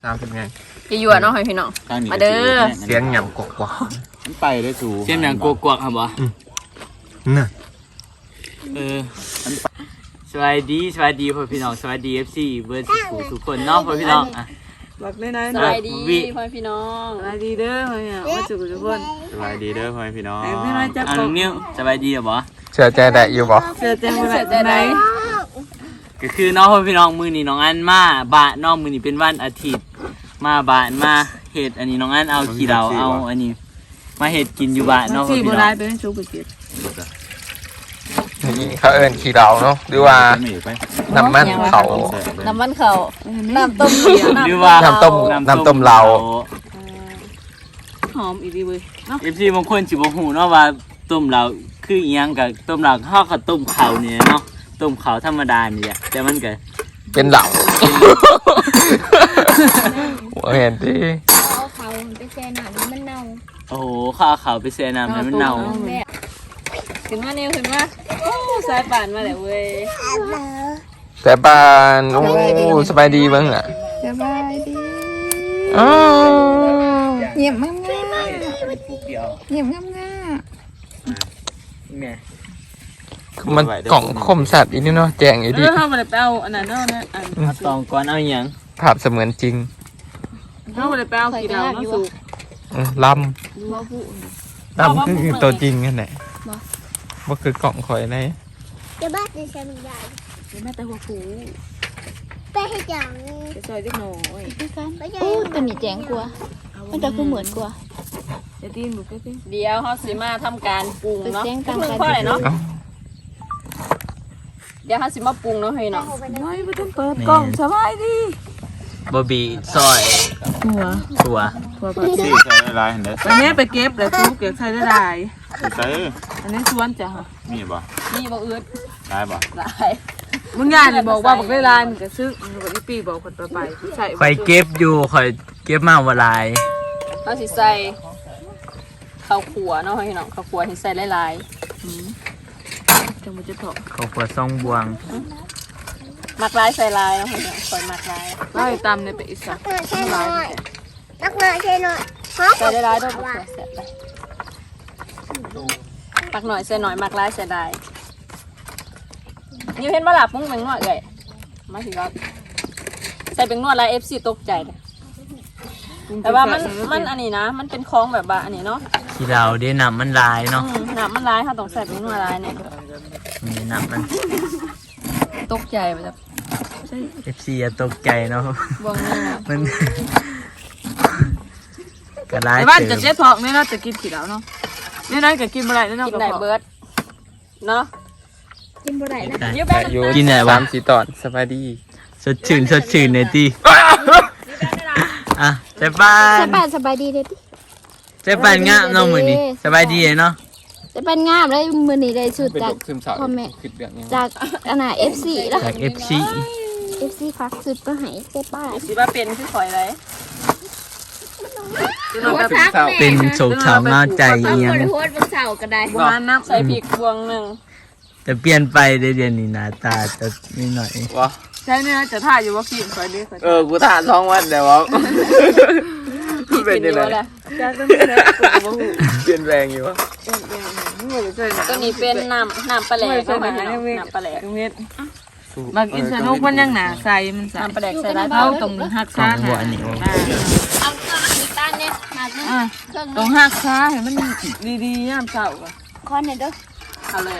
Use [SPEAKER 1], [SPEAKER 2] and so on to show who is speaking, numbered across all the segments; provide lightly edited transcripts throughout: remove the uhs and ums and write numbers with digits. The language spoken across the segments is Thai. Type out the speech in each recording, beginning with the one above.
[SPEAKER 1] 30ไง
[SPEAKER 2] จะอยู่เนาะให้พี่น้องมาเด้อ
[SPEAKER 1] เสียงหยำกวก
[SPEAKER 3] มันไปได้สู
[SPEAKER 4] เสียงหยังกวกๆครับบ่
[SPEAKER 1] น่ะ
[SPEAKER 4] สวัสดีพ่อพี่น้องสวัสดี FC เบิร์ดทุกคนเนาะพ่อพี่น้องอ่ะ
[SPEAKER 2] บอกได้นะสวัสดีพ่อพี่น้องสวัสดีเด้อพ่อพี่น้องมาสู่ทุกคน
[SPEAKER 3] สบายดีเด้อพ่อพี่น้อง
[SPEAKER 2] พี่น้องจับ
[SPEAKER 4] น้องนิ้วสบายดีบ่
[SPEAKER 1] เชื่อใจได้อยู่บ่
[SPEAKER 2] เชื่อใจไหม
[SPEAKER 4] ก็คือน้องพ่อพี่น้องมื้อนี้น้องอันมาบ้านน้องมื้อนี้เป็นวันอาทิตย์มาบ้านมาเฮ็ดอันนี้น้องอันเอาขี้เหล้าเอาอันนี้มาเฮ็ดกินอยู่บ้านเนาะพ่อพี่น้อง
[SPEAKER 2] เป็นชุบกิน
[SPEAKER 1] นี่เขาเอิ้นขี้เหล้าเนาะหรือว่าน้ำมันเขา
[SPEAKER 2] น้ำต้ม
[SPEAKER 4] หรือว่า
[SPEAKER 1] น้ำต้มเหล้า
[SPEAKER 2] หอมอีดีเว้ย
[SPEAKER 4] เนาะ FC บางคนสิบ่ฮู้เนาะว่าต้มเหล้าคืออีหยังกับต้มเหล้าเฮาก็ต้มข้าวนี่เนาะต้มข้าวธรรมดานี่แหละแต่มันก็
[SPEAKER 1] เป็นเหล้าเห็นดิ
[SPEAKER 5] เอาเขาไปแช่น้ำมันเน่า
[SPEAKER 4] โอ้โหข้าวขาวไปแช่น้ำให้มันเน่า
[SPEAKER 2] ขึ้นมาเนี่ยขึ้นมาโอ้สายป่านมาแล้วเว้ย
[SPEAKER 1] แต่บ้านโอ้สบายดีบ้างอ่ะ
[SPEAKER 5] สบายดีเงียบมากเงียบง่าย
[SPEAKER 1] มันกล่องคมสัตว์อีนี่เนาะแจงอีดิ
[SPEAKER 2] เขามาไปเอาอันนั้นเนาะนะ
[SPEAKER 4] ตองก่อนเอาอย่าง
[SPEAKER 1] ภาพเสมือนจริง
[SPEAKER 2] เขามาไปเอากี่ดาวเนาะสู
[SPEAKER 1] ลำคือตัวจริงกันไหนว่าคือกล่องคอยไหน
[SPEAKER 5] จะบ้าจะใช้มันใหญ่
[SPEAKER 2] แม่แต่หัวผู
[SPEAKER 5] ไปให้จัง
[SPEAKER 2] จะซอยเล็กน้อย
[SPEAKER 5] ตัวนี้แจ้งกลัวมันจะคือเหมือนกลัว
[SPEAKER 2] จะตีนบุกเดี๋ยวเขาสิมาทำการปรุงเนาะปรุงข้อไหนเนาะเดี๋ยวเขาสิมาปรุงเนาะให้เนาะไม่ต้องเปิดกล่องสบายดี
[SPEAKER 4] บะบีซอยถั่ว
[SPEAKER 3] ที่ใส่ลายเห็นได้
[SPEAKER 2] ไปแม่ไปเก็บแล้วทุกเก็บใส่ได้หลาย
[SPEAKER 3] ใส่
[SPEAKER 2] อันนี้สวนจ้ะ
[SPEAKER 3] มีบ่
[SPEAKER 2] อืด
[SPEAKER 3] ได้บ่
[SPEAKER 2] ได้มึงงานเลยบอกว่าบอกได้ลายมึงก็ซื้อบอกอีปีบอกคนต่อไปใส่
[SPEAKER 4] คอยเก็บอยู่คอยเก็บมาว่าลาย
[SPEAKER 2] เขาสิใส่ข้าวขัวเนาะให้น้องข้าวขัวที่ใส่หลายจังมันจะถก
[SPEAKER 4] ข้าวขัวซองบวง
[SPEAKER 2] มักลายใส่ลายเนาะให้น้องคอยมักลายไล่ตามในไปอีสาน
[SPEAKER 5] ใช่หน่อยนักหน่อยใช่หน่อย
[SPEAKER 2] ใส่ได้ลายด้วยมักเสร็จไปมักหน่อยใส่หน่อยมักลายใส่ได้นี่เห็นว่าหลับมุ้งเป็นนวดเลยมาสิครับใส่เป็นนวดลาย FC ตกใจเลยแต่ว่ามันอันนี้นะมันเป็นคล้องแบบว่าอันนี้เนาะ
[SPEAKER 4] ที่เราได้นำมันลายเนาะ
[SPEAKER 2] นำมันลายค่ะต้องใส่เป็นนวดลายเนี่ย
[SPEAKER 4] นี่นำมัน
[SPEAKER 2] ตกใจไปแบบ
[SPEAKER 4] FC อย่าตกใจเนาะ
[SPEAKER 2] บวงเนี่ย
[SPEAKER 4] มันกระไร
[SPEAKER 2] แต่บ้านจะเจ๊ทองเนี่ยเราจะกินกี่แล้วเนาะเนี่ยนั่นก็กินอะไรเนี่ยกินไหนเบิร์ดเนาะ
[SPEAKER 5] กินบ่ได้นะ
[SPEAKER 4] กินไหนวะ
[SPEAKER 1] 3-4ตอนสบายดี
[SPEAKER 4] สดชื่นในที่อ่ะเจ๊ปาน
[SPEAKER 5] สบายดีเลย
[SPEAKER 4] เจ๊ปานงามน้องมือนี่สบายดีเนาะ
[SPEAKER 5] จะเป็นงามเลยมือนี่ได้สุดจากคอมเมนต์จากอันน่ะ FC แล้ว
[SPEAKER 4] จาก FC
[SPEAKER 5] ฟักสุดก็ให้เจ๊ป้า
[SPEAKER 2] สิว่าเป็นคือข่อยเลย
[SPEAKER 4] เป็นโศกเศร้าเงาใจเอียง
[SPEAKER 5] โพสเป็นเสาก็ได้
[SPEAKER 2] บวงน้ำใส่พริกบวงหนึ่ง
[SPEAKER 4] จะเปลี่ยนไปเดือนนี้หน้าตาจะนิดหน่อยวะ
[SPEAKER 2] ใช่เนี่ยจะถ่ายอยู่ว่ากินข่อยดิ
[SPEAKER 1] กูถ่าย2 วันแต่ว่าเป็นยังไงเปลี่ยนแรงอยู่วะ
[SPEAKER 2] ตัวนี้เป็นน้ำปลาแหลกเข้ามาน้ำปลาแหลกบางอินสนุกมันยังหนาใส่มันน้ำปลาแหลกใส่ได้เท่าตรงหักซ่าค่ะตรงหักซ่าเห็นมันดีๆน้ำเสาอ่ะ
[SPEAKER 5] คอนเด้อ
[SPEAKER 2] เอาเลย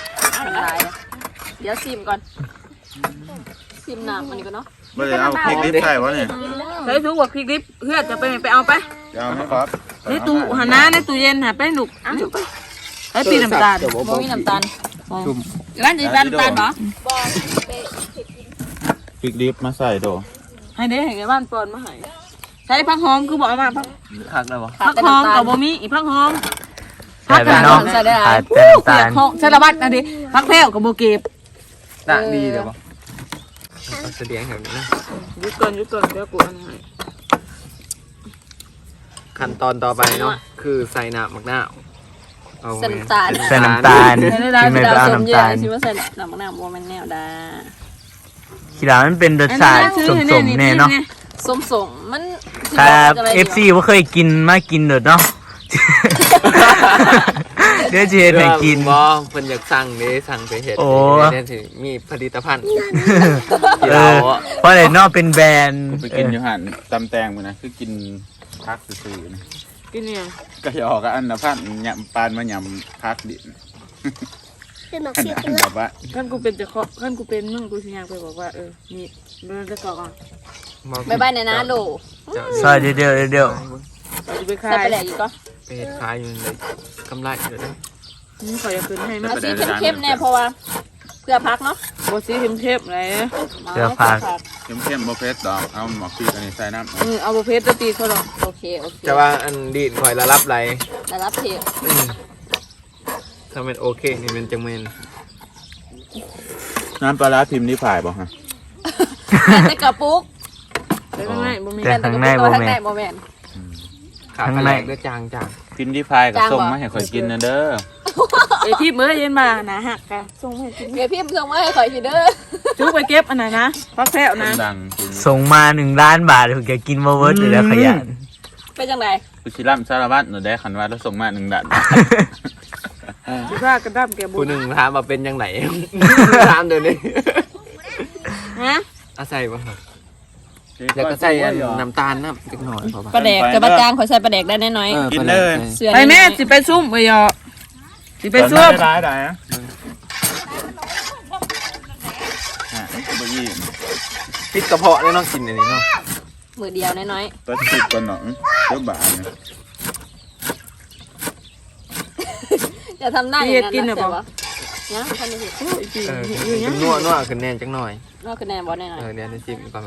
[SPEAKER 2] เดี๋ยวซิมก่อนซิมน้ำอันนี้ก่อนเนาะ
[SPEAKER 3] ไม่ได้เอาพริกดิบใส่วะเนี่ย
[SPEAKER 2] ใส่ถุงว่าพริกดิบเพื่อจะไปเอาไป
[SPEAKER 3] เอาไหมครับ
[SPEAKER 2] ในตู้หันหน้าในตู้เย็นหาไปหนุกไอ้ปีน้ำตาลบ่มีน้ำตาลร้านจะเป็นน้ำตาลเหรอ
[SPEAKER 3] พริกดิบมาใส่โด
[SPEAKER 2] ให้เด้ให้บ้านปอนมาให้ใช้ผักหอมคือบอกมา
[SPEAKER 4] ผักอะไรวะ
[SPEAKER 2] ผักหอมกับบ่มีอีผักหอม
[SPEAKER 4] ผักกระดอง
[SPEAKER 2] ใส่ได้ใส่ระบาดนะดิผักแพรวกับโบเก็บ
[SPEAKER 1] ด่างดีเดี๋ยวแสดงแบบนี้นะ
[SPEAKER 2] ยุดก่อนเดี๋ยวกูอันนี้
[SPEAKER 1] ขั้นตอนต่อไปเนาะคือใส่น้ำมะนาว
[SPEAKER 4] ใส่น้ำตาลที่ไม่ได้เอาน้ำตาล
[SPEAKER 2] ที่ว่าใส่น้ำมะนาวมันแนวดา
[SPEAKER 4] ขี้ดามันเป็นรสชาติสมๆแน่เนาะ
[SPEAKER 2] ส้มมัน
[SPEAKER 1] ครับ FC บ่เคยกินมากินเด้อเนาะ เดี๋ยวสิเฮ็ดให้กิน
[SPEAKER 6] บ่เพิ่นอยากสั่งเด้สั่งไปเฮ็ด
[SPEAKER 1] โอ้
[SPEAKER 6] เดี๋ยวสิมีผลิตภัณฑ์
[SPEAKER 1] เออเพราะได้เนาะเป็นแบรนด์
[SPEAKER 3] ไปกินอยู่หันตำแตงมันนะคือกินพักซื่อๆนะ
[SPEAKER 2] กินเนี่ย
[SPEAKER 3] ก็จะออกกับอันนะพันยำปานมายำพักดินอันนั้นแบบว่า
[SPEAKER 2] ขั้นกูเป็นจะเคาะขั้นกูเป็นมึงกูสิอยากไปบอกว่านี่เราจะก่อน
[SPEAKER 5] บ๊ายบายนะโหล
[SPEAKER 1] ซอยเดี๋ยว
[SPEAKER 2] จะไปขาย
[SPEAKER 5] ใส่ไปแหลกอีกก็
[SPEAKER 6] ไปเฮ็ดขายอยู่เลยกำไรอยู่เด้อ
[SPEAKER 2] นี่ขออย่าคืนให้มา
[SPEAKER 5] เอาสีเข้มๆแน่เพราะว่าเพื่อพักเนาะ
[SPEAKER 2] โบสีเข้มๆเลย
[SPEAKER 1] เดี๋ยวพัก
[SPEAKER 3] เข้มๆบ่เผ็ดดอกเอาหมอกพริกอันนี้ใส่น้ำ
[SPEAKER 2] เอาโบเพชรตีเขาหรอก
[SPEAKER 5] โอเค
[SPEAKER 6] จะว่าอันดีดข่อยละรับไหล
[SPEAKER 5] แล้วรับเทป
[SPEAKER 6] ถ้าเป็นโอเคนี่มันจังแม่น
[SPEAKER 3] น้ำปลาร้าพิมพ์นี่ผ่ายบ่ฮะ
[SPEAKER 5] แต่กระปุก
[SPEAKER 2] แต่ข้างในบ่มี
[SPEAKER 1] แต่ข้างในบ่
[SPEAKER 5] ข้าง
[SPEAKER 1] แม่
[SPEAKER 5] ใน
[SPEAKER 1] น
[SPEAKER 5] โมเมน
[SPEAKER 6] ขาปลาแหลกด้วยจาง
[SPEAKER 3] พิมพ์ที่พายกับส้มมาให้ข่อยกินนะเด้อ
[SPEAKER 2] พี่เมื่อเย็นมานะหักกะส่งให้กิน
[SPEAKER 5] เดี๋ยวพี่ส่งมาให้ข่อยทีเด้อ
[SPEAKER 2] จุ๊บไปเก็บอันไหนนะพักแพ้ว
[SPEAKER 3] คน
[SPEAKER 2] นะ
[SPEAKER 3] ดังกิน
[SPEAKER 1] ส่งมา1 ล้านบาทถึงจะกินบ่เวิร์ดเลยแล้วขยัน
[SPEAKER 5] เป็นจังได
[SPEAKER 3] กุชิลัมสารวัตรหนูได้ขันว่าแล้วส่งมา1 ด่าน
[SPEAKER 2] สิผ้ากระดั้มแกบุ
[SPEAKER 6] ผู้หนึงถามว่าเป็นจังไหน ถามเดี๋ยวนี้
[SPEAKER 5] ฮะ
[SPEAKER 6] อาศัยบ่ครับแล้วก็ใส่อันน้ำตาลน้ำจักหน่อยพอ
[SPEAKER 5] ปลาแดกจะประจางข่อยใส่ปลาแดกได้น้อย
[SPEAKER 3] กินเลย
[SPEAKER 5] ๆเสือ
[SPEAKER 2] ไปแม่สิไปซุ่มไปยอสิไปซุ่ม
[SPEAKER 3] ได้นะบ่ยี่
[SPEAKER 6] ปิดกระเพาะเลยเนาะกินอันนี้เนาะ
[SPEAKER 5] มือเดียวน้อย
[SPEAKER 3] ตัวติดกันหนองเจ้าบ่าเนี่ย
[SPEAKER 5] ๆจะทำหน้าอย่างนั้นนะเสือวะเนี่ยท่านนี่สิ
[SPEAKER 6] เป็นนัวขึ้นแน่นจักหน่อย
[SPEAKER 5] นอกคะแนนบอลแน่นอน
[SPEAKER 6] เดี๋ยวจะจิ้มก่อนมัน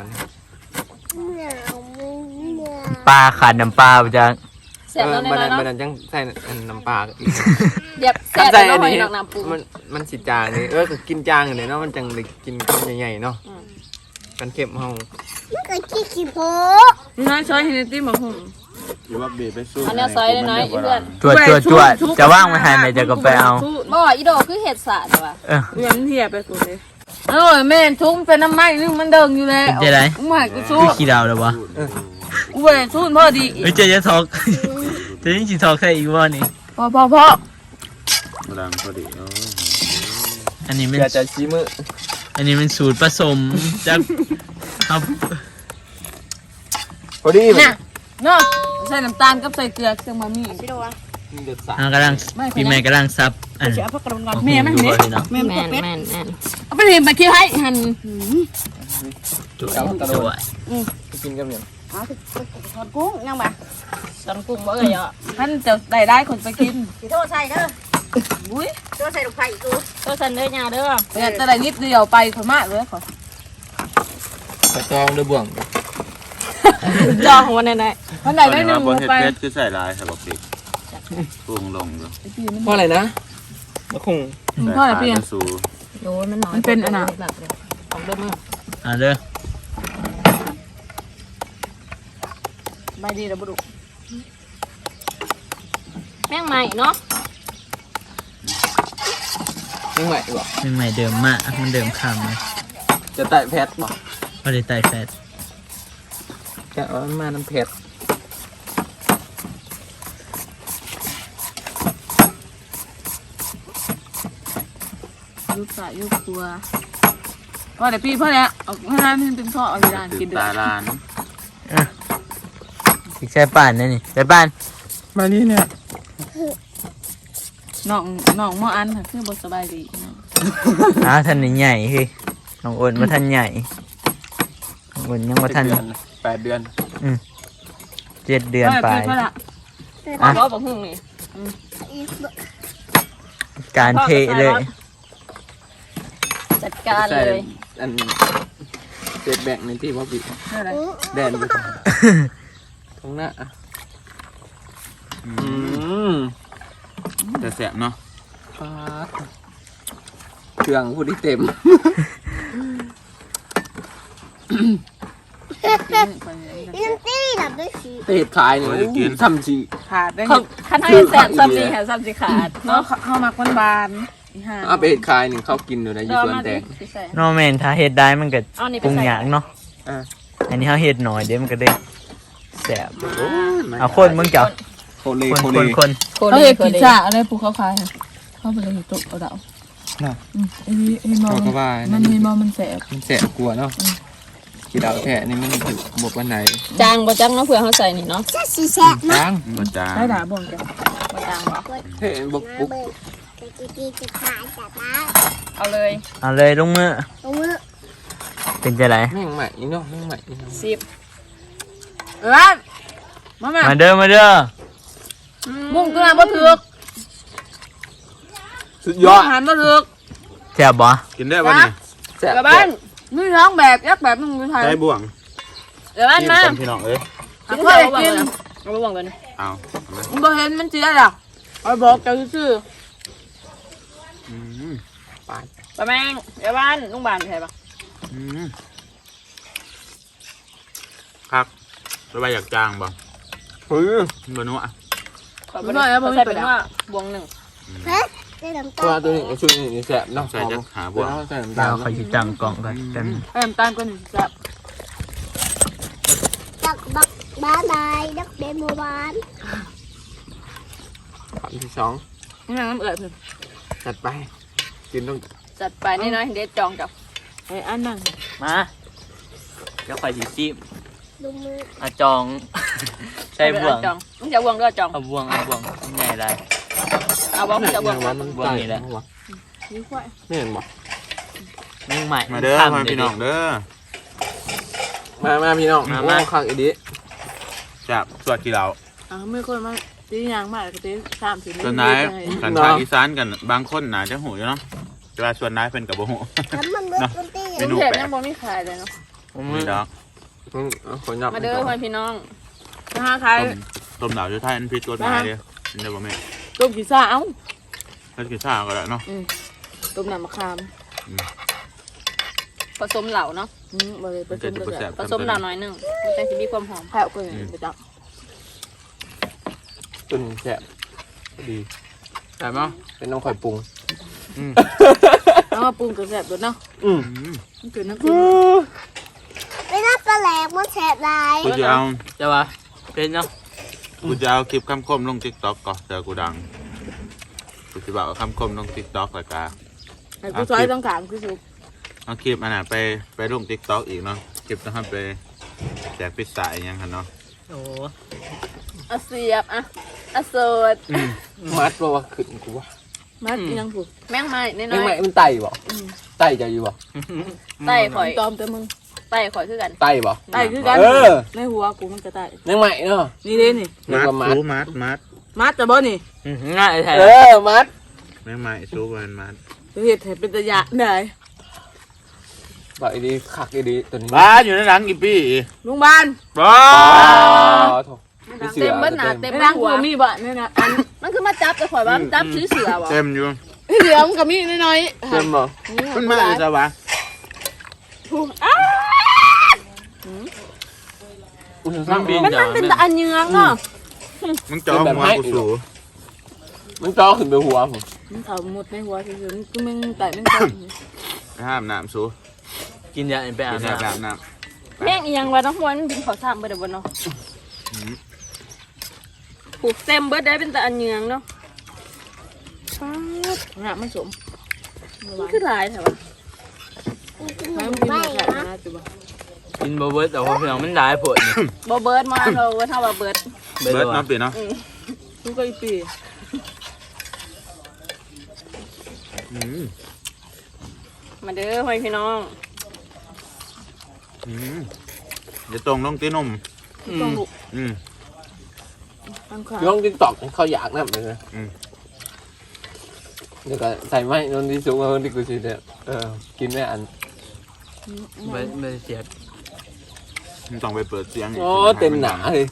[SPEAKER 1] ปลาขาดน้ำปลาจะ
[SPEAKER 5] แซ่บแล้ว
[SPEAKER 6] มัน
[SPEAKER 5] น้อยๆเนาะ
[SPEAKER 6] จังใส่น้ำปลาอีก
[SPEAKER 5] เดี๋ยวแซ่บ
[SPEAKER 6] ใส่
[SPEAKER 5] แล้ว
[SPEAKER 6] อัน
[SPEAKER 5] หอย
[SPEAKER 6] นี้
[SPEAKER 5] ดอกน้ำปู
[SPEAKER 6] มันสิจางนี่ก็กินจางเลยเนาะมันจังเลยกินคำใหญ่ๆเนาะกันเข็มเฮา
[SPEAKER 2] น้อยช้อยเฮนตี้มาหุ่ม
[SPEAKER 3] อยู่ว่าเบไปสู้
[SPEAKER 5] อันนี้ซอยน้อยๆอีเพื่อน
[SPEAKER 1] จวดจะว่างไม่ให้แม่จะก็ไปเอา
[SPEAKER 5] บ่อีโดคือเห็ดสาดว่ะ
[SPEAKER 1] เออ
[SPEAKER 2] เลี้ยงเทียไปกูเลยแม่ทุ่มเป็นน้ำไม้นึงมันเดิงอยู่แล้ว
[SPEAKER 1] เป็นจะไร
[SPEAKER 2] ไม่กูสู้
[SPEAKER 1] คือขี้ดาวเลยวะ
[SPEAKER 2] กูไปสู้พ่อดี
[SPEAKER 1] เฮ้ยจะทอกจะยิ่งสิทอกใส่อีกว่านี่
[SPEAKER 2] พ่อ
[SPEAKER 3] ดังพอดี
[SPEAKER 1] อันนี้เป็น
[SPEAKER 6] อยากจะชี้มือ
[SPEAKER 1] อันนี้เป็นสูตรผสมจากครับ
[SPEAKER 6] พอดี
[SPEAKER 2] เนี่ยเนาะใส่น้ำตาลกับใส่เกลือเครื่องบะหมี่
[SPEAKER 5] พี่โดวะ
[SPEAKER 6] เดือดสา
[SPEAKER 1] กำลังปีใหม่กำลังซับอัน
[SPEAKER 2] เสียพักกระดองแม่มัน
[SPEAKER 1] ดู
[SPEAKER 2] เด็
[SPEAKER 1] บ่พี่น้อง
[SPEAKER 5] แม่น
[SPEAKER 2] เอาไปเห็นไปคิดให้หัน
[SPEAKER 1] จวด
[SPEAKER 6] กินกับเนี่ย
[SPEAKER 2] ทอดกุ้งยังบ่
[SPEAKER 5] ตอนกุ้งบ่เอ่ยอ่ะ
[SPEAKER 2] ท่านจะได้คนไปกิน
[SPEAKER 5] สิโทษใส่เด้อ
[SPEAKER 2] อุ้ย
[SPEAKER 5] โทษใส่ลูกไผ่กูโทษใส่เด้อยาเด้อ
[SPEAKER 2] เนี่ยจะได้นิดเดียวไปคนมากเลยขอก
[SPEAKER 6] ระจองด้วยบ่วง
[SPEAKER 5] จองของวันไหน
[SPEAKER 2] วันไหนได้หนึ่ง
[SPEAKER 3] บ่เฮ็ด
[SPEAKER 2] ไป
[SPEAKER 3] เพชรคือใส่ลายครับบอกพี่ปรุงลงเลย
[SPEAKER 6] เพราะอะไรนะมะคง
[SPEAKER 2] พ่อไหนเพียง
[SPEAKER 3] สู
[SPEAKER 5] โดนมันน้อย
[SPEAKER 2] มันเป็นอันน่ะ
[SPEAKER 5] ของเดิมมือ
[SPEAKER 1] อ่ะเด้อ
[SPEAKER 2] ใบดีแล้วบุรุษ
[SPEAKER 5] แม่งใหม่เนาะ
[SPEAKER 6] ยังไหวบ่
[SPEAKER 1] เป็นใหม่เดิมมากมันเดิมคำนะ
[SPEAKER 6] จะไต่แพทบ่
[SPEAKER 1] พอได้ไต่แฟต
[SPEAKER 6] จะเอามาน้ำเผ็ด
[SPEAKER 2] ยุบสายยุบตัวพ่อไหนพี่พ่อเนี่ยเอาให้ร้านมันเป็นพ่อเอาไปร้าน
[SPEAKER 3] ติ
[SPEAKER 2] กิ
[SPEAKER 3] ด
[SPEAKER 2] นเดือ
[SPEAKER 3] ตา
[SPEAKER 2] ด
[SPEAKER 3] ลาน
[SPEAKER 1] อีกใช่ป่านนั่นนี่ใช่ป่าน
[SPEAKER 6] มานี่เนี่ย
[SPEAKER 2] น้องหม้ออันค่ะคือบสบายดี
[SPEAKER 1] ท่านนี่ใหญ่คือน้องอ้นมาท่านใหญ่น้องอ้นยังมาท่าน
[SPEAKER 6] 8 เดือน
[SPEAKER 1] 7 เดือนไป
[SPEAKER 2] พ่อละ
[SPEAKER 5] พ่อบอกหึ่งนี่
[SPEAKER 1] การเทเลย
[SPEAKER 5] จัดการเลย
[SPEAKER 6] อันเจ็ดแบ่งในที่ว่าบิด
[SPEAKER 2] อะไร
[SPEAKER 6] แดนอยู่ตรงหน้า
[SPEAKER 3] แต่แสบเนาะ
[SPEAKER 6] ฟ้าเครื่องพูดที่เต็ม เตะขายนี่ทำจี
[SPEAKER 2] ขาดได้
[SPEAKER 5] ขั้นให้แสบซ้ำนี่ค่ะซ้ำสิขาด
[SPEAKER 2] เนาะเข้ามาคนบานห่า
[SPEAKER 6] เอาไปเห็ดขายนี่เขากินอยู่ในยี่สวนแดง
[SPEAKER 1] นอแมนถ้าเฮ็ดได้มันก็
[SPEAKER 5] เอานี่ไป
[SPEAKER 1] ปรุง
[SPEAKER 5] ใส่
[SPEAKER 1] ยากเนาะ
[SPEAKER 4] อันนี้เขาเห็ดหน่อยเดี๋ยวมันก็ได้แสบเอาคนมึงเจ้า
[SPEAKER 3] โคเล
[SPEAKER 4] คน
[SPEAKER 3] โค
[SPEAKER 4] ค
[SPEAKER 3] เล
[SPEAKER 4] นคน
[SPEAKER 2] เขาเห็ดพิซซ่าอะไรพวกเขาขายค่ะเขาไปเลยเห็ดตุกเอาดาว
[SPEAKER 1] น่ะ
[SPEAKER 2] ไอ้มอ
[SPEAKER 1] เขาก็ว่า
[SPEAKER 2] มันมีมอมันแสบ
[SPEAKER 1] มันแสบกลัวเนาะกี่ดาวแท้นี่มันถูกบวกวันไหน
[SPEAKER 2] จางบ่จังเนาะเผื่อเขาใส่นี่เนาะ
[SPEAKER 1] จัง
[SPEAKER 3] มันจาง
[SPEAKER 2] ได้ด่าบ่งกันบ่จางบ่
[SPEAKER 6] เฮ้ยบุกบุก
[SPEAKER 2] เอาเลย
[SPEAKER 4] เอาเลยลงมือเป็นจะไร
[SPEAKER 6] แม่งใหม่นี่เนาะแม่งใหม่นี่เนาะ
[SPEAKER 2] มาแม่
[SPEAKER 4] มาเด้อมาเด้อ
[SPEAKER 2] มุ่งตัวนั้นบ่ถึก
[SPEAKER 6] สุดยอด
[SPEAKER 2] หันบ่ถึก
[SPEAKER 4] แสบบ่
[SPEAKER 3] กินได้ป่ะเนี่ย
[SPEAKER 6] แซ่บ
[SPEAKER 2] กลับบ้านมีท้องแบบยักแบบมึงอยู่ไทย
[SPEAKER 3] ใช้บ่วง
[SPEAKER 2] เดี๋ยวบ้าน
[SPEAKER 3] นี่
[SPEAKER 2] มา
[SPEAKER 3] เป็นพี่น้องเอ้ย
[SPEAKER 2] กินข้าวกินเอาไปบ่งกัน
[SPEAKER 3] เอา
[SPEAKER 2] มึงบ่เห็นมันเสียหรอกเอาบอกเจ้าซื่อ
[SPEAKER 3] อืม
[SPEAKER 2] ปะแมงเดี๋ยวบ้านลุงบ้านใช่ปะ
[SPEAKER 3] อืมครับระบายอยากจางบ่
[SPEAKER 6] เฮ้ย
[SPEAKER 3] บ่นัว
[SPEAKER 2] ขอไปด้วยแล้วผมใส่เป็นว่าบวงหนึ่ง
[SPEAKER 6] ตัวตัวนี้ชุดนี้แซ่บเนาะ
[SPEAKER 3] ใส่จะหาบ่วง
[SPEAKER 6] ใส่น้ำ
[SPEAKER 4] เดี๋
[SPEAKER 6] ตา
[SPEAKER 4] ยว
[SPEAKER 6] ล
[SPEAKER 4] เขาจะจังกล่องกันกัน
[SPEAKER 2] ให้น้ำตาลก็หนึ่งแซ่บ
[SPEAKER 5] บ๊ายบายดักเดนโมบาน
[SPEAKER 6] คำที่สอง
[SPEAKER 2] นี่น้ำเอือดเพิ่น
[SPEAKER 6] จัดไปกินต้อง
[SPEAKER 2] จัดไปนี่น้อยเด็ดจองจับไอ้อันนั่ง
[SPEAKER 4] มาเดี๋ยวคอยสีซี
[SPEAKER 5] ดูมือ
[SPEAKER 4] เอาจองใส่บ่วง
[SPEAKER 2] จองมึงจะบวงด้วยจอง
[SPEAKER 4] เอาบ่วงใหญ่ไร
[SPEAKER 2] เอาบวงจะบวง
[SPEAKER 6] ว่ามัน
[SPEAKER 4] บ่วงนี่แหละ
[SPEAKER 2] นี่ควาย
[SPEAKER 6] ไม่เห็นบ่
[SPEAKER 4] มึงใหม่
[SPEAKER 3] มาเด้อ
[SPEAKER 4] ข้าม
[SPEAKER 3] พ่อพี่น้องเด้อ
[SPEAKER 6] มาพี่น้องมาข้างอีดิ
[SPEAKER 3] จับสวดกี่เหล่า
[SPEAKER 2] ไม่คนมาตียางมากก็ตี3-4
[SPEAKER 3] ส่วนนายกันภาคอีสานกันบางคนน่าจะหูอยู่เนาะแต่ว่าส่วนนายเป็นกับบ่หู
[SPEAKER 5] ทำมันเบิดคนตี
[SPEAKER 3] เมนู
[SPEAKER 2] เห็ด
[SPEAKER 3] แปล
[SPEAKER 2] ยั
[SPEAKER 3] ก
[SPEAKER 2] งบ่มีขายเลยเนาะ
[SPEAKER 3] มีดอก
[SPEAKER 6] คนยับ
[SPEAKER 2] มาเด้อพ่อพี่น้องมาขาย
[SPEAKER 3] ต้มดาวอยู่ไทยอันพิษกฎหมายเด้อกินได้บ่แม่
[SPEAKER 2] ต้มพิซซ่าเอ้า
[SPEAKER 3] ถ้ากินข้าวก็ได้เนาะ
[SPEAKER 2] ต้มน้ำมะขามผสมเหล่าเนาะบ่เลยผ
[SPEAKER 3] มัน
[SPEAKER 2] ส
[SPEAKER 3] จะ
[SPEAKER 2] ม
[SPEAKER 3] ดู
[SPEAKER 2] ก็
[SPEAKER 3] แซ่
[SPEAKER 2] ได้
[SPEAKER 3] บ
[SPEAKER 2] ผสมเหล่าน้อยหนึงมันจะสิมีความหอมแผ่วกว่าไปจับ
[SPEAKER 6] ตุนแซ่บดี
[SPEAKER 1] ใช่มั้ย
[SPEAKER 6] เป็นน้องข่อยปรุง
[SPEAKER 2] เอามาปรุงกับแซ่บด้วยเนาะ
[SPEAKER 3] อืม
[SPEAKER 2] มันคือน้ำจิ้ม
[SPEAKER 5] ไม่น่าแปลกมันแสบลาย
[SPEAKER 3] กูจะเอา
[SPEAKER 4] จะวะเป็นเนาะ
[SPEAKER 3] กูจะเอาคลิปคำคมลง TikTok ก่อนเจอกูดังกูจะบอกว่าคำคมลง TikTok แล้วก็
[SPEAKER 2] ไอ้ผู้ชายต้องการคือสุก
[SPEAKER 3] เอาคลิปอันน่ะไปลง TikTok อีกเนาะคลิปต้องให้ไปแจกพิซซ่าอีกอยังคันเนาะ
[SPEAKER 4] โอ้
[SPEAKER 2] อะเสียบอะโสด
[SPEAKER 6] มัดบ่ว่าขึ้นกูว่า
[SPEAKER 2] มากินยังผูกแม่งไม้น้
[SPEAKER 6] แม่ง
[SPEAKER 2] อ
[SPEAKER 6] ใหม่
[SPEAKER 2] ย
[SPEAKER 6] มันไต่บ่ไต่จะอยู่บ่
[SPEAKER 2] ๆไต่ข่อยตอมแต่มึงไต่ข่อยคือกัน
[SPEAKER 6] ไต่บ่
[SPEAKER 2] ไต่คือกัน
[SPEAKER 6] เออ
[SPEAKER 2] ในหัวกูมันจะไต่
[SPEAKER 6] แม่งใหม่เนาะ
[SPEAKER 2] นี่เด้นี่
[SPEAKER 6] แม่งว่ามัด
[SPEAKER 3] ซูมัด
[SPEAKER 2] มัดจะบ่นี่
[SPEAKER 4] ง่ายแท้
[SPEAKER 6] เออมัด
[SPEAKER 3] แม่งใหม่ซูมันมัด
[SPEAKER 2] เฮ็ดให้เป็นตะยะได้
[SPEAKER 6] บอกอีดีคักอีดีตัวนี้
[SPEAKER 3] บ้าอยู่ในหลังกี่ปี
[SPEAKER 2] ลุงบ้าน
[SPEAKER 3] บ้า
[SPEAKER 6] อ๋อโถ
[SPEAKER 2] เต็มเบิดหน้าเต็มหัวมีบ่นี่นะอันมันคือมาจับแต่ข่อยว่ามันจับซื้อเสือบ่
[SPEAKER 3] เต็มอยู่
[SPEAKER 2] เดี๋ยวมันก็มีน้อย
[SPEAKER 6] เต็มบ่
[SPEAKER 3] ขึ้นมาเลยจ้ะวะ
[SPEAKER 2] มันเป็นตะอันเยืองเนาะ
[SPEAKER 3] มึงจองหัวกูสู
[SPEAKER 6] มันจ่อขึ้นไปหัวผม
[SPEAKER 2] มันเฒ่าหมดในหัวซื่อๆมันคือมึงไต่มึงจับ
[SPEAKER 3] ห้ามน้ำสู
[SPEAKER 4] กินยาไปอา
[SPEAKER 3] กิ
[SPEAKER 4] บ
[SPEAKER 3] น
[SPEAKER 4] น้
[SPEAKER 3] น้ำ
[SPEAKER 2] แม่งอีหยังวะน้องมวยมันเป็นข้าวสามเบิดบ่เนาะผูกเต็มเบิดได้เป็นตะอันเยืองเนาะป๊าดหน้ามันสมมันคือหลายแท้วะมันกินมาแค่นะจุบ่
[SPEAKER 4] ำกินบ่เบิร์ดแต่ว่าเพียงมันได้ผลนี่
[SPEAKER 2] บ่เบิดมาเราเบิดเท่าว่าเบิด
[SPEAKER 3] เบิร์ดน้ำปีเนาะ
[SPEAKER 2] ทุกไอ้ปี มาเด้อพี่น้อง
[SPEAKER 3] จะตรงลงตีนม
[SPEAKER 2] ต้องลุก
[SPEAKER 3] อืม
[SPEAKER 2] ตั้งขา
[SPEAKER 6] ย่องติ๊กตอกเขาอยากนั่นเลยนะเดี๋ยวก็ใส่ไม้นนที่สูงกว่าคนที่กูสิเนี่ยกินไม่อัน
[SPEAKER 4] ไม่เสียด
[SPEAKER 3] มึงต้องไปเปิดเสียง
[SPEAKER 6] โอ้เต็มหนาเลย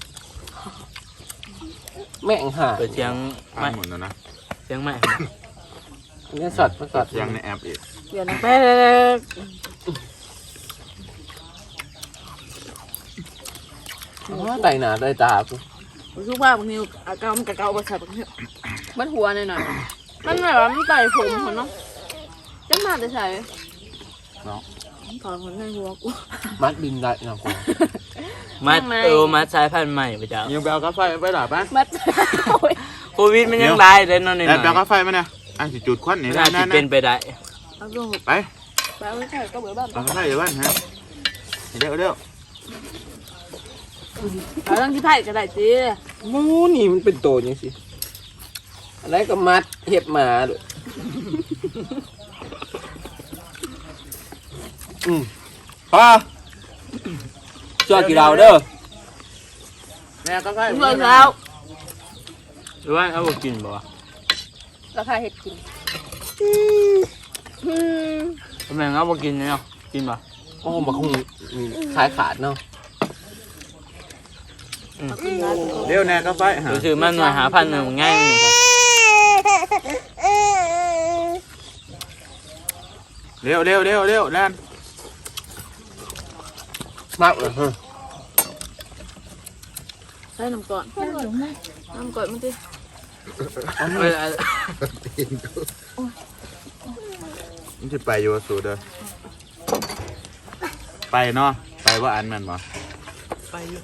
[SPEAKER 6] แม่งห่า
[SPEAKER 4] เปิดเสียง
[SPEAKER 3] ไม่
[SPEAKER 4] ไม่
[SPEAKER 3] หมดแล้วนะ
[SPEAKER 4] เสียงไม่
[SPEAKER 6] เนี่ยสัตว์มันสัตว์
[SPEAKER 3] เสียงในแอปอีก
[SPEAKER 2] เดี๋ยวนะแป๊ก
[SPEAKER 6] ไต่หนาไต่ตากู
[SPEAKER 2] ทุกว่าบางทีอาการมันกะเกาประสาทบางทีมันหัวหน่อยๆมันแบบว่ามันไต่ผมเหรอเนาะจะมาแต่ใส่
[SPEAKER 3] เนาะ
[SPEAKER 2] ถอนคนในหัวกู
[SPEAKER 6] มัดบินได้นะกู
[SPEAKER 4] มัดมัดสายพันธุ์ใหม่ไปจ้า
[SPEAKER 3] ยังไปเอากาแฟไปหลับไหม
[SPEAKER 2] มัดโอ้ย
[SPEAKER 4] โควิดมันยังได้เลยเนาะนี่
[SPEAKER 3] แล้วไปเอากาแฟมาเนี่ยสิจุดควันนี่
[SPEAKER 4] น่าจะเป็นไปได้
[SPEAKER 2] เอาลง
[SPEAKER 3] ไป
[SPEAKER 2] ไปเอาไว้ใส่ก็เบื่อบ้าน
[SPEAKER 3] เอากาแฟอยู่บ้านฮะเร็วเร็ว
[SPEAKER 2] เอาตั้งที่ไผ่ก็ได้จี
[SPEAKER 6] มูนี่มันเป็นโตยังสิอะไรก็มัดเห็บหมาด้วยป้าจอดกี่ดาวเด้อ
[SPEAKER 3] แม่กาแฟ
[SPEAKER 2] เมื่อเช้า
[SPEAKER 4] หรือว่าเอาบ่กินบ่
[SPEAKER 2] ราคาเห็ดกิน
[SPEAKER 4] ทำไมเอาบ่กินเนาะกินบ่
[SPEAKER 6] โอ้มาคงขายขาดเนาะ
[SPEAKER 3] เร็วแน่กาแฟฮะ
[SPEAKER 4] รู้สึกมันหน่วยหาพันหนึ่งง่ายนี่ครับ
[SPEAKER 3] เร็วแลน
[SPEAKER 6] มากเลย
[SPEAKER 2] ใส่น้ำก่อนน้ำก่อนมันดิ
[SPEAKER 3] มันจะไปอยู่สูเด้อไปเนาะไปว่าอันมันบ่
[SPEAKER 4] ไปอยู่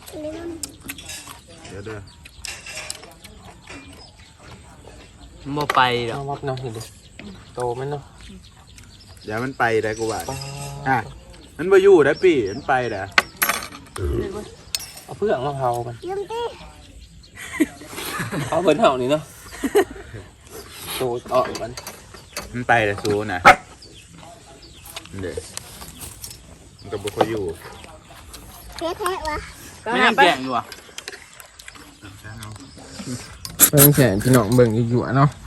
[SPEAKER 3] เดี๋ยวเด้อ
[SPEAKER 4] บ่ไปหรอก
[SPEAKER 6] เอาวับเนาะเห็นดิโตมันเนาะ
[SPEAKER 3] เดี๋ยวมันไปได้กูว่ามันมาอยู่ได้ปีมันไปได้
[SPEAKER 6] เอาเพื่องมาเผามันเอาเพิ่นเผานี่เนาะโตต่อมัน
[SPEAKER 3] มันไปได้สูนะเด้อมันก็บ่ค่อยอยู่
[SPEAKER 4] ไม่ยังแก่งอยู่อ่ะ
[SPEAKER 6] เบิ่งแสนพี่น้องเบิ่งอยู่ๆเนาะ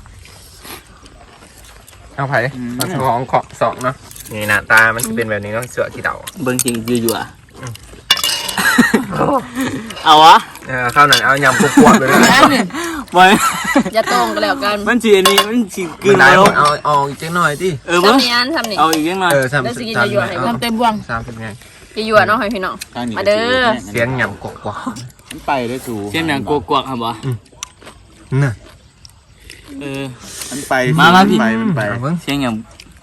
[SPEAKER 6] เอาไผเอาของขอบสองเนาะนี่หน้าตามันจะเป็นแบบนี้เนาะเสือที่เดา
[SPEAKER 4] เบิ่งจริงอยู่อ่ะเอาวะ
[SPEAKER 6] ข้าวหนังเอายำกวบๆเลยนะ
[SPEAKER 4] บ่
[SPEAKER 2] อย่าตรงกันแล้วกัน
[SPEAKER 4] มันสิอันนี้มันสิกึ่ง
[SPEAKER 6] ได้
[SPEAKER 4] แล้ว
[SPEAKER 6] เอาอีกจังหน่อยดิ
[SPEAKER 2] ทำนี้อันทำนี่
[SPEAKER 4] เอาอีกยังหน่อย
[SPEAKER 6] ทำ
[SPEAKER 2] ได้สิกินจะหยวนให้ทำเต็มบวง
[SPEAKER 6] 30ไง
[SPEAKER 2] จะหยวนเนาะให้พี่น้องมาเด้อ
[SPEAKER 6] เสียงยำกวบ
[SPEAKER 3] มันไปได้สู
[SPEAKER 4] เช่นอย่างกวกๆครับบ่
[SPEAKER 6] ๆน่ะ
[SPEAKER 3] มันไป
[SPEAKER 4] มาพี่
[SPEAKER 3] มันไป
[SPEAKER 6] เอาเบิ่ง
[SPEAKER 4] เช่นอย่าง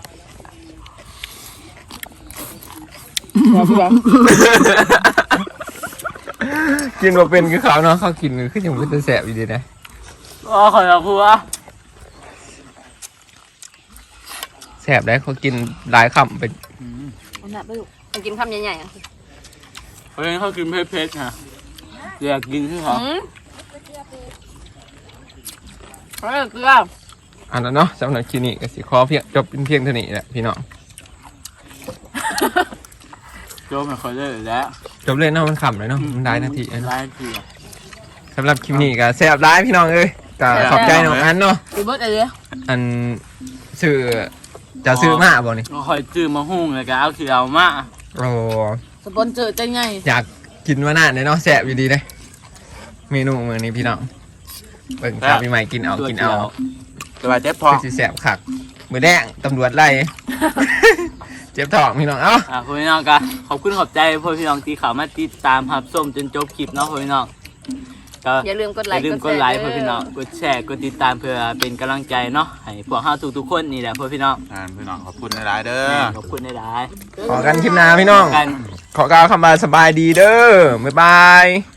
[SPEAKER 6] กินมาเป็นคือเขาเนาะเขากินคือยังเป็นแสบอยู่ดีนะ
[SPEAKER 4] อ๋อขอรับครูอ่ะ
[SPEAKER 6] แสบได้เขากินหลายคำเป็น
[SPEAKER 2] เอาหนักไปลูกมันกินคำใหญ่ๆอ่ะ
[SPEAKER 4] เพราะฉะนั้นเขากินเผ็ดๆฮะอยากกินคือเขา
[SPEAKER 2] เฮ้ยเกลือ
[SPEAKER 6] อันนั้นเนาะสำหรับคลิปนี้ก็สิขอเพียงจบเป็นเพียงเท่านี้แหละพี่น้อง
[SPEAKER 4] โจมไม่ค่อยได้แล้ว
[SPEAKER 6] จบเลยเนาะมันขำเลยเนาะมันได้นาที
[SPEAKER 4] ได้
[SPEAKER 6] เนาะ
[SPEAKER 4] นาทีอ่ะ
[SPEAKER 6] สำหรับคลิปนี้ก็แสบร้ายพี่น้องเอ้ยก็ขอบใจน้องอันเนาะ
[SPEAKER 2] อีเบิร์ดอะไรเนี่ย
[SPEAKER 6] อันซื้อจะซื้อมาบ่นี่
[SPEAKER 4] คอยจื้อมาหุ้งเลยก็เอาคือเอามา
[SPEAKER 6] โอ้
[SPEAKER 2] สปอนเซอร์ใจไง
[SPEAKER 6] อยากกินมานานเลยเนาะแสบอยู่ดีเลยเมนูมื้อนี้พี่น้องเบิ่งครับพี่ใหม่กินเอากินเอา
[SPEAKER 3] สบายเจ็บพอ
[SPEAKER 6] คือสิแสบคักมือแดงตำรวจไล่ เจ็บท้องพี่น้องเอ้า
[SPEAKER 4] พี่น้องก็ขอบคุณขอบใจพ่อพี่น้องที่เข้ามาติดตามรับชมจนจบคลิปเนาะพ่อพี่น้องก็
[SPEAKER 2] อย่าลืมกด
[SPEAKER 4] อ
[SPEAKER 2] ไล
[SPEAKER 4] ย่า
[SPEAKER 2] ค์
[SPEAKER 4] ลืมกดไลค์พ่อพี่น้องกดแชร์กดติดตามเพื่อเป็นกำลังใจเนาะให้พวกเราทุกๆคนนี่แหละพ่อพี่น้อง
[SPEAKER 3] พี่น้องขอบคุณหลายๆเด้อ
[SPEAKER 4] ขอบคุณในหลาย
[SPEAKER 6] ขอกันคลิปหน้าพี่น้อง
[SPEAKER 4] กัน
[SPEAKER 6] ขอกล่าวคำบาสบายดีเด้อบ๊ายบาย